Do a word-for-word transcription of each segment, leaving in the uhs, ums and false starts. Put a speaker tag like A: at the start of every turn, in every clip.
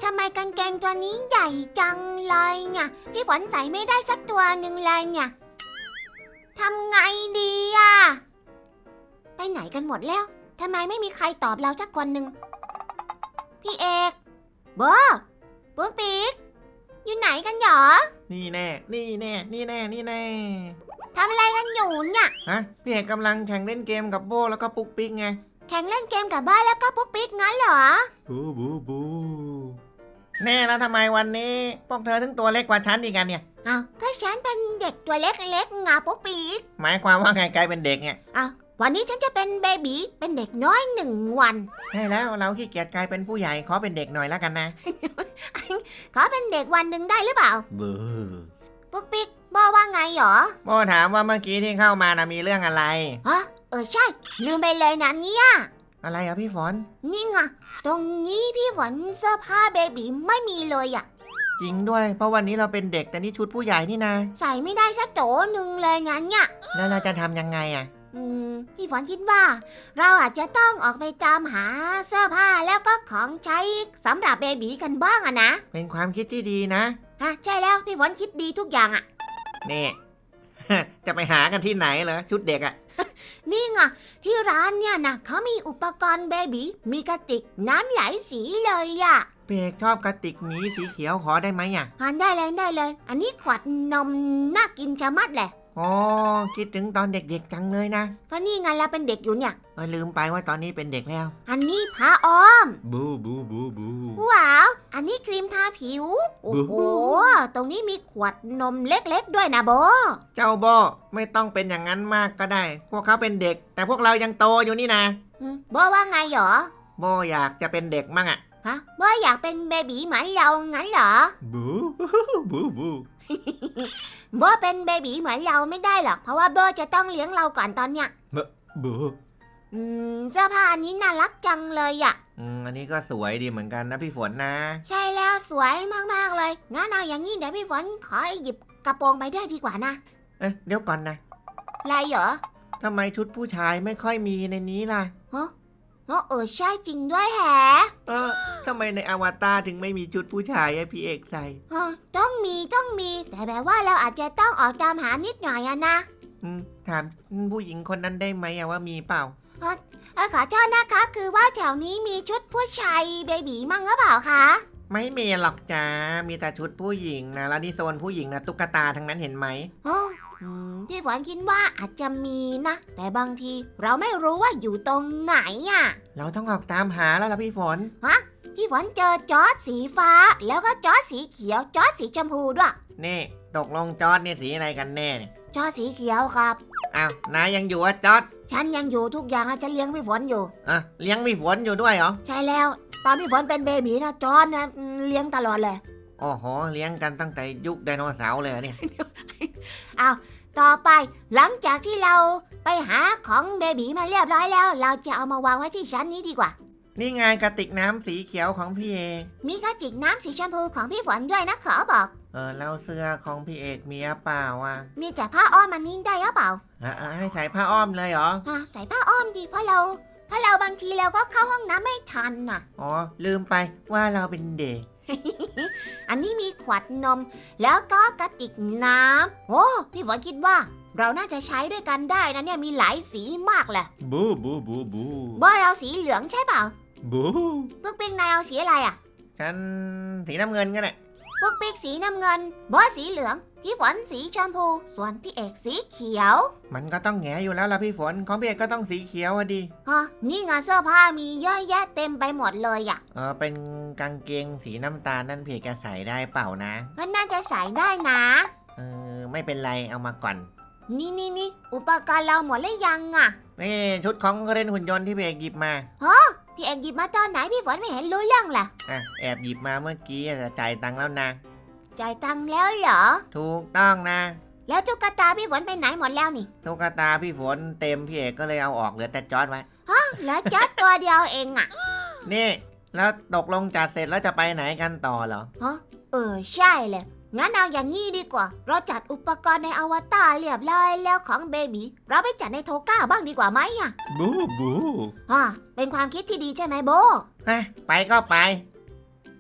A: ทำไมกางเกงตัวนี้ใหญ่จังเลยเนี่ยพี่ฝนใส่ไม่ได้สักตัวหนึ่งเลยเนี่ยทำไงดีอะไปไหนกันหมดแล้วทำไมไม่มีใครตอบเราสักคนหนึ่งพี่เอกโบปุ๊กปิ๊กอยู่ไหนกันหรอ
B: นี่แน่นี่แน่นี่แน่นี่แน่
A: ทำอะไรกันอยู่เนี่ย
B: ฮะพี่เอกกำลังแข่งเล่นเกมกับโบแล้วก็ปุ๊กปิ๊กไง
A: แข่งเล่นเกมกับบ้านแล้วก็ปุ๊กปิ๊กงั้นเหรอ
B: บูบูบูแน่แล้วทำไมวันนี้พวกเธอถึงตัวเล็กกว่าฉันอีกกันเนี่ย
A: อ้าวก็ฉันเป็นเด็กตัวเล็กๆไงปุ๊กปิ๊ก
B: หมายความว่าไงกลายเป็นเด็กเนี่ย
A: อ้าววันนี้ฉันจะเป็นเบบีเป็นเด็กน้อยหนึ่งวัน
B: ใช่แล้วเราขี้เกียจกลายเป็นผู้ใหญ่ขอเป็นเด็กหน่อยแล้วกันนะ
A: ขอเป็นเด็กวันหนึ่งได้หรือเปล่า
B: เบื่อ
A: ปุ๊กปิ๊กบอกว่าไงหรอ
B: โบถามว่าเมื่อกี้ที่เข้ามานะมีเรื่องอะไร
A: ฮะเออใช่ลืมไปเลยนะเนี่ย
B: อะไรอะพี่ฝน
A: นี่ไงตรงนี้พี่ฝนเสื้อผ้าเบบีไม่มีเลยอะ
B: จริงด้วยเพราะวันนี้เราเป็นเด็กแต่นี่ชุดผู้ใหญ่นี่นะ
A: ใส่ไม่ได้สักโจหนึ่งเลยงั้นเนี่ย
B: แล้วเราจะทำยังไงอะ
A: อืมพี่ฝนคิดว่าเราอาจจะต้องออกไปตามหาเสื้อผ้าแล้วก็ของใช้สำหรับเบบีกันบ้างอะนะ
B: เป็นความคิดที่ดีนะ
A: ฮะใช่แล้วพี่ฝนคิดดีทุกอย่างอะ
B: นี่ จะไปหากันที่ไหนเหรอชุดเด็กอะ
A: นี่ไงที่ร้านเนี่ยนะเขามีอุปกรณ์เบบีมีกระติกน้ำหลายสีเลยอะ
B: เปียกชอบกระติกนี้สีเขียวขอได้ไหมอะ
A: หาได้เลยได้เลยอันนี้ขวดนมน่ากินชะมัดเลย
B: อ๋อคิดถึงตอนเด็กๆจังเลยนะ
A: ก็นี่ไงเราเป็นเด็กอยู่เนี่ย
B: เออลืมไปว่าตอนนี้เป็นเด็กแล้ว
A: อันนี้ผ้าอ้อม
B: บูบูบูบู
A: ว้าวอันนี้ครีมทาผิวโอ้โหตรงนี้มีขวดนมเล็กๆด้วยนะโบ
B: เจ้าโบไม่ต้องเป็นอย่างนั้นมากก็ได้พวกเขาเป็นเด็กแต่พวกเรายังโตอยู่นี่นะ
A: โบว่าไงหรอ
B: โบอยากจะเป็นเด็กมั่งอะ
A: ฮะโบอยากเป็นเบบีเหมือนเรางั้นเหรอ
B: บูบูบู
A: โบเป็นเบบีเหมือนเราไม่ได้หรอกเพราะว่าโบจะต้องเลี้ยงเราก่อนตอนเนี้ย
B: บู
A: อืมเสื้อผ้าอันนี้น่ารักจังเลยอ่ะ
B: อืมอันนี้ก็สวยดีเหมือนกันนะพี่ฝนนะ
A: ใช่แล้วสวยมากๆเลยงั้นเอาอย่างนี้เดี๋ยวพี่ฝนขอหยิบกระโปรงไปด้วยดีกว่านะ
B: เอ๊ะเดี๋ยวก่อนนะ
A: อะไรเหรอ
B: ทำไมชุดผู้ชายไม่ค่อยมีในนี้ล่ะ
A: ฮะเออใช่จริงด้วยแฮะ
B: เออทำไมในอวตารถึงไม่มีชุดผู้ชายให้พี่เอกใส่
A: ฮะต้องมีต้องมีแต่แบบว่าเราอาจจะต้องออกตามหานิดหน่อยอะนะ
B: อืมถามผู้หญิงคนนั้นได้ไหมว่ามีเปล่า
A: ฮะขอโทษนะคะคือว่าแถวนี้มีชุดผู้ชายเบบีมั่งหรือเปล่าคะ
B: ไม่มีหรอกจ้ามีแต่ชุดผู้หญิงนะแล้วนี่โซนผู้หญิงนะตุ๊กตาทั้งนั้นเห็นไหม
A: โอ้พี่ฝนคิดว่าอาจจะมีนะแต่บางทีเราไม่รู้ว่าอยู่ตรงไหนอ่ะ
B: เราต้องออกตามหาแล้วล่ะพี่ฝน
A: ฮะพี่ฝนเจอจอร์จสีฟ้าแล้วก็จอร์จสีเขียวจอร์จสีชมพูด้วย
B: นี่ตกลงจอร์จเนี่ยสีอะไรกันแน่เนี่ย
A: จอร์จสีเขียวครับ
B: อ้าวนายยังอยู่อ่ะจอร์จ
A: ฉันยังอยู่ทุกอย่างนะฉันเลี้ยงพี่ฝนอยู่
B: อ่ะเลี้ยงพี่ฝนอยู่ด้วยเหรอ
A: ใช่แล้วตอนพี่ฝนเป็นเบบีนะจอร์จนะเลี้ยงตลอดเลย
B: โอ้โหเลี้ยงกันตั้งแต่ยุคไดโนเสาร์เลยเนี่ย
A: เอาต่อไปหลังจากที่เราไปหาของเบบีมาเรียบร้อยแล้วเราจะเอามาวางไว้ที่ชั้นนี้ดีกว่า
B: นี่ไงกระติกน้ำสีเขียวของพี่เอก
A: มีกระติกน้ำสีชมพูของพี่ฝนด้วยนะขอบอก
B: เออแล้วเสื้อของพี่เอกมีหรือเปล่าวะ
A: มีแต่ผ้าอ้อมมันนี่ได้หรือเปล่า
B: อ่าให้ใส่ผ้าอ้อมเลยเหรอ
A: อ่าใส่ผ้าอ้อมดีเพราะเราเพราะเราบางทีเราก็เข้าห้องน้ำไม่ทันน่ะ
B: อ๋อลืมไปว่าเราเป็นเด็ก
A: อันนี้มีขวดนมแล้วก็กระติกน้ำโอ้พี่ฝนคิดว่าเราน่าจะใช้ด้วยกันได้นะเนี่ยมีหลายสีมากเลย
B: บูบูบูบู
A: บอยเอาสีเหลืองใช่เปล่า
B: บู
A: พวกปิ๊กนายเอาสีอะไรอ่ะ
B: ฉันสีน้ำเงินก็ได้
A: พวกปิ๊กสีน้ำเงินบอยสีเหลืองพี่ฝนสีชมพูส่วนพี่เอกสีเขียว
B: มันก็ต้องแง่อยู่แล้วล่ะพี่ฝนของพี่เอกก็ต้องสีเขียวอ่ะดิ
A: ฮะนี่งานเสื้อผ้ามีเยอะแยะเต็มไปหมดเลยอ่ะ
B: เออเป็นกางเกงสีน้ำตาลนั่นพี่เอกจะใส่ได้เปล่านะ
A: ก็น่าจะใส่ได้นะ
B: เออไม่เป็นไรเอามาก่อน
A: นี่นี่นี่อุปกรณ์เราหมดแล้วยังอ่ะ
B: นี่ชุดของเรนหุ่นยนต์ที่พี่เอกหยิบมา
A: ฮะพี่เอกหยิบมาตอนไหนพี่ฝนไม่เห็นรู้เรื่องล่ะ
B: อ่ะแอบหยิบมาเมื่อกี้จะจ่ายตังค์แล้วนะ
A: จ่ายตังค์แล้วเหรอ
B: ถูกต้องนะ
A: แล้วตุ๊กตาพี่ฝนไปไหนหมดแล้วนี่
B: ตุ๊กตาพี่ฝนเต็มพี่เอกก็เลยเอาออกเหลือแต่จอร์จไว้
A: ฮะเหลือจอร์จตัวเดียวเองอ่ะ
B: นี่แล้วตกลงจัดเสร็จแล้วจะไปไหนกันต่อเหรอ
A: ฮะเออใช่เลยงั้นเอาอย่างนี้ดีกว่าเราจัดอุปกรณ์ในอวตารเรียบร้อยแล้วของเบบีเราไปจัดในโทก้าบ้างดีกว่าไหมอ่ะ
B: บูบู
A: อ่าเป็นความคิดที่ดีใช่ไหมโบ
B: ไปก็ไป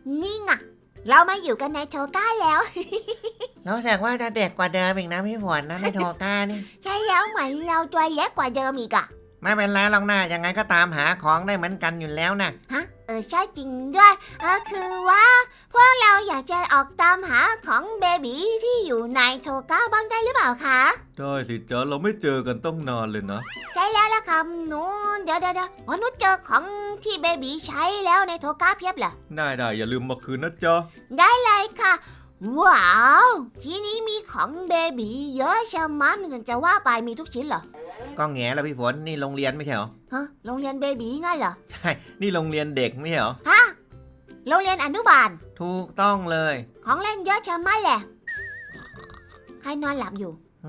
A: นี่ไงเรามาอยู่กันในโชก้าแล้ว
B: แล้วแสดงว่าจะเด็กกว่าเดิมอีกนะพี่ฝนนะในโทก้านี่
A: ใช่แล้วเหมือนเราตัวเล็กกว่าเดิมอีกอะ
B: ไม่เป็นไรหรอกนะยังไงก็ตามหาของได้เหมือนกันอยู่แล้วนะ
A: ฮะเออใช่จริงด้วยเออคือว่าพวกเราอยากจะออกตามหาของเบบีที่อยู่ในโชก้าบ้างได้หรือเปล่าคะ
C: ได้สิจ๊ะเราไม่เจอกันต้องนานเลยนะ
A: ใช่แล้วล่ะครับหนูเดี๋ยวเดี๋ยวเดี๋ยวอ๋อหนูเจอของที่เบบีใช้แล้วในโชก้าเพียบเลย
C: ได้ได้อย่าลืมมาคืนนะจ๊ะ
A: ได้เลยค่ะ ว้าวที่นี้มีของเบบีเยอะชะมัดจะว่าไปมีทุกชิ้นเหรอ
B: ก็แง่แล้วพี่ฝนนี่โรงเรียนไม่ใช่เหรอ
A: ฮะโรงเรียนเบบีงั้นเหรอ
B: ใช่นี่โรงเรียนเด็กไม่ใช่เหรอ
A: ฮะโรงเรียนอนุบาล
B: ถูกต้องเลย
A: ของเล่นเยอะชะมัดแหละใครนอนหลับอยู่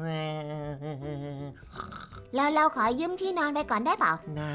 A: เราเราขอยืมที่นอนไปก่อนได้เปล่า
B: น่า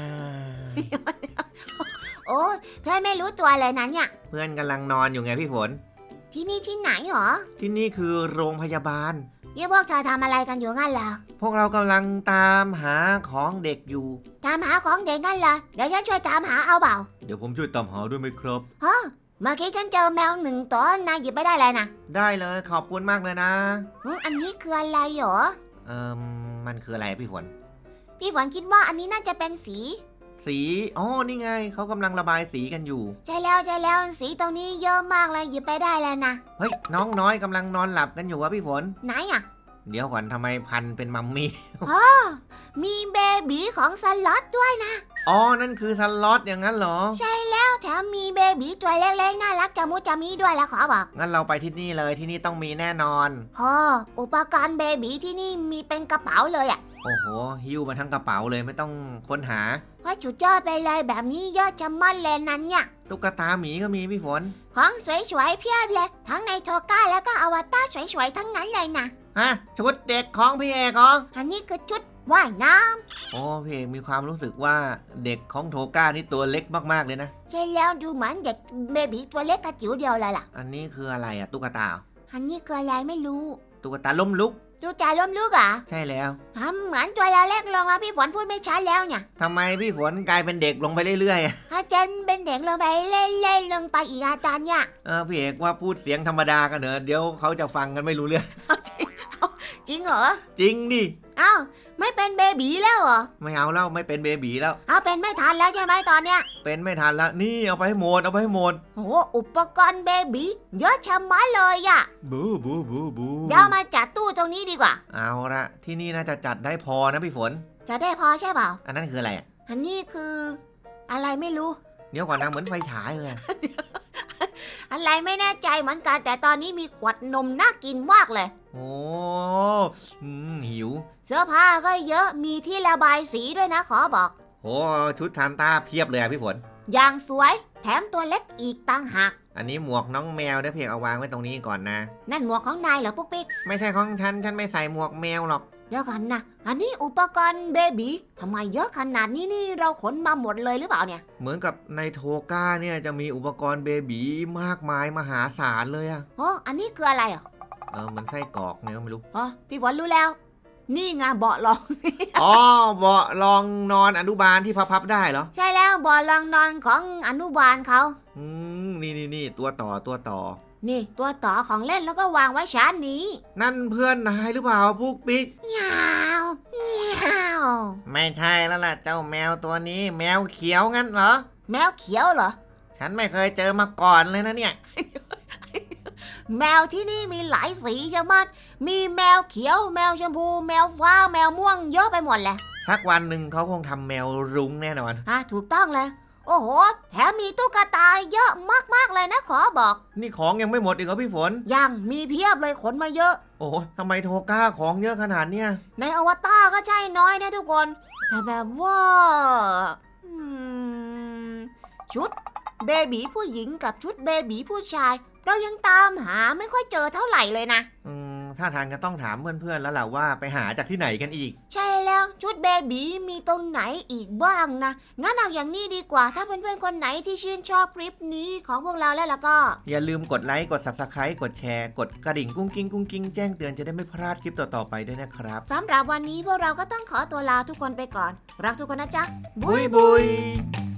A: โอ้ยเพื่อนไม่รู้ตัวเลยนะเนี่ย
B: เพื่อนกำลังนอนอยู่ไงพี่ฝน
A: ที่นี่ที่ไหนหรอ
B: ที่นี่คือโรงพยาบาล
A: นี่พวกเธอทำอะไรกันอยู่งั้นเหรอ
B: พวกเรากำลังตามหาของเด็กอยู่
A: ตามหาของเด็กงั้นเหรอเดี๋ยวฉันช่วยตามหาเอาเปล่า
C: เดี๋ยวผมช่วยตามหาด้วยไหมครับ
A: ฮะเมื่อกี้ฉันเจอแมวหนึ่งตัวนายหยิบไปได้เลยนะ
B: ได้เลยขอบคุณมากเลยนะ
A: อืมอันนี้คืออะไรหรอ
B: เอ่มมันคืออะไรพี่ฝน
A: พี่ฝนคิดว่าอันนี้น่าจะเป็นสี
B: สีอ๋อนี่ไงเขากำลังระบายสีกันอยู่
A: ใช่แล้วใช่แล้วสีตรงนี้เยอะมากเลยหยิบไปได้เลยนะ
B: เฮ้ยน้องน้อยกำลังนอนหลับกันอยู่วะพี่ฝน
A: ไหนอ่ะ
B: เดี๋ยวก่อนทำไมพันเป็นมัมมี่
A: มีเบบีของสล็อตด้วยนะ
B: อ๋อนั่นคือสล็อตอย่างนั้นเหรอ
A: ใช่แล้วแถมมีเบบีตัวเล็กๆน่ารักจะมุจะมีด้วยแล้วขอบอก
B: งั้นเราไปที่นี่เลยที่นี่ต้องมีแน่นอน
A: พออุปกรณ์เบบีที่นี่มีเป็นกระเป๋าเลยอ่ะ
B: โอ้โหหิ้วมาทั้งกระเป๋าเลยไม่ต้องค้นหา
A: ว่าจุดยอดไปเลยแบบนี้เยอะจะมั่นเลยนั้นเนี่ย
B: ตุ๊กตาหมีก็มีพี่ฝน
A: ของสวยๆเพียบเลยทั้งในโทก้าแล้วก็อวตารสวยๆทั้งนั้นเลยนะ
B: ฮะชุดเด็กของพี่เอกเหรอ
A: อันนี้คือชุดว่ายน้ำ
B: โอ้พี่เอกมีความรู้สึกว่าเด็กของโทก้านี่ตัวเล็กมากๆเลยนะ
A: ใช่แล้วดูเหมือนเด็กเบบีตัวเล็กกระจิ๋วเดียวเลยล่ะ
B: อันนี้คืออะไรอะตุ๊กตาเหรอ
A: อันนี้คืออะไรไม่รู้
B: ตุ๊กตาล้มลุก
A: ดูจ่าล้มลุกเหรอ่ะ
B: ใช่แล้ว
A: ทำเหมือนตัวเราเล็กลงแล้วพี่ฝนพูดไม่ชัดแล้วเนี่ย
B: ทำไมพี่ฝนกลายเป็นเด็กลงไปเรื่อยๆอะ
A: อาจารย์เป็นเด็กลงไปเล่นๆลงไปอีกอาจารย์เนี่ย
B: เออพี่เอกว่าพูดเสียงธรรมดากันเนอะเดี๋ยวเขาจะฟังกันไม่รู้เรื่อง
A: จริงเหรอ
B: จริงดิ
A: อ้าวไม่เป็นเบบีแล้วเหรอ
B: ไม่เอาแล้วไม่เป็นเบบีแล้ว
A: เอาเป็นไม่ทันแล้วใช่ไหมตอนเนี้ย
B: เป็นไม่ทันแล้วนี่เอาไปให้หมดเอาไปให้หมด
A: โอ้โหอุปกรณ์เบบีเยอะชะมัดเลยอะ
C: บูบูบูบู
A: เดี๋ยวมาจัดตู้ตรงนี้ดีกว่า
B: เอาละที่นี่น่าจะจัดได้พอนะพี่ฝน
A: จะได้พอใช่เปล่า
B: อันนั้นคืออะไรอะ
A: อันนี้คือ อะไรไม่รู้
B: เดี๋ยวก่อนนะเหมือนไฟฉายเลยอะ
A: อะไรไม่แน่ใจเหมือนกันแต่ตอนนี้มีขวดนมน่ากินมากเลย
B: โอ้อืมหิว
A: เสื้อผ้าก็เยอะมีที่ระบายสีด้วยนะขอบอก
B: โอ้ชุดซานต้าเพียบเลยอะพี่ฝน
A: อย่างสวยแถมตัวเล็กอีกต่างหาก
B: อันนี้หมวกน้องแมวเดี๋ยวเพียงเอาวางไว้ตรงนี้ก่อนนะ
A: นั่นหมวกของนายเหรอปุ๊กปิ๊ก
B: ไม่ใช่ของฉันฉันไม่ใส่หมวกแมวหรอก
A: เดี๋ยวก่อนนะอันนี้อุปกรณ์เบบีทำไมเยอะขนาดนี้นี่เราขนมาหมดเลยหรือเปล่าเนี่ย
B: เหมือนกับในโทก้าเนี่ยจะมีอุปกรณ์เบบีมากมายมหาศาลเลยอะ
A: โอ้อันนี้คืออะไรอ่ะ
B: เออมันไส้กรอกเนี่ยไม่รู้
A: อ๋อพี่ฝนรู้แล้ว นี่ไงเบาะรอง
B: อ๋อเบาะรองนอนอนุบาลที่พับๆได้เหรอ
A: ใช่แล้วเบาะรองนอนของอนุบาลเขา
B: อืมนี่นี่นี่ตัวต่อตัวต่อ
A: นี่ตัวต่อของเล่นแล้วก็วางไว้ชั้นนี้
B: นั่นเพื่อนนายหรือเปล่าปุ๊กปิ๊ก
A: ยาวเยาว
B: ไม่ใช่แล้วล่ะเจ้าแมวตัวนี้ แมวเขียวงั้นเหรอ
A: แมวเขียวเหรอ
B: ฉันไม่เคยเจอมาก่อนเลยนะเนี่ย
A: แมวที่นี่มีหลายสีใช่ไหมมีแมวเขียว แมวชมพู แมวฟ้า แมวม่วงเยอะไปหมดเลย
B: สักวันหนึ่งเขาคงทำแมวรุ้งแน่นอน
A: อ่ะถูกต้องเลย โอ้โห แถมมีตุ๊กตาเยอะมากๆเลยนะขอบอก
B: นี่ของยังไม่หมดอีกเหรอพี่ฝน
A: ยังมีเพียบเลยขนมาเยอะ
B: โอ้โหทำไมโทก้าของเยอะขนาดเนี้ย
A: ในอวตารก็ใช่น้อยนะทุกคน แต่แบบว่าอืมชุดเบบีผู้หญิงกับชุดเบบีผู้ชาย เรายังตามหาไม่ค่อยเจอเท่าไหร่เลยนะ
B: อืมถ้าทางจะต้องถามเพื่อนๆแล้วแหละว่าไปหาจากที่ไหนกันอีก
A: ใช่แล้วชุดเบบีมีตรงไหนอีกบ้างนะ งั้นเอาอย่างนี้ดีกว่า ถ้าเพื่อนๆคนไหนที่ชื่นชอบคลิปนี้ของพวกเราแล้วล่ะก็
B: อย่าลืมกดไลค์กด ซับสไครบ์ กดแชร์กดกระดิ่งกุ้งกิ้งกุ้งกิ้งแจ้งเตือนจะได้ไม่พลาดคลิปต่อๆไปด้วยนะครับ
A: สำหรับวันนี้พวกเราก็ต้องขอตัวลาทุกคนไปก่อน รักทุกคนนะจ๊ะ
B: บุยบุย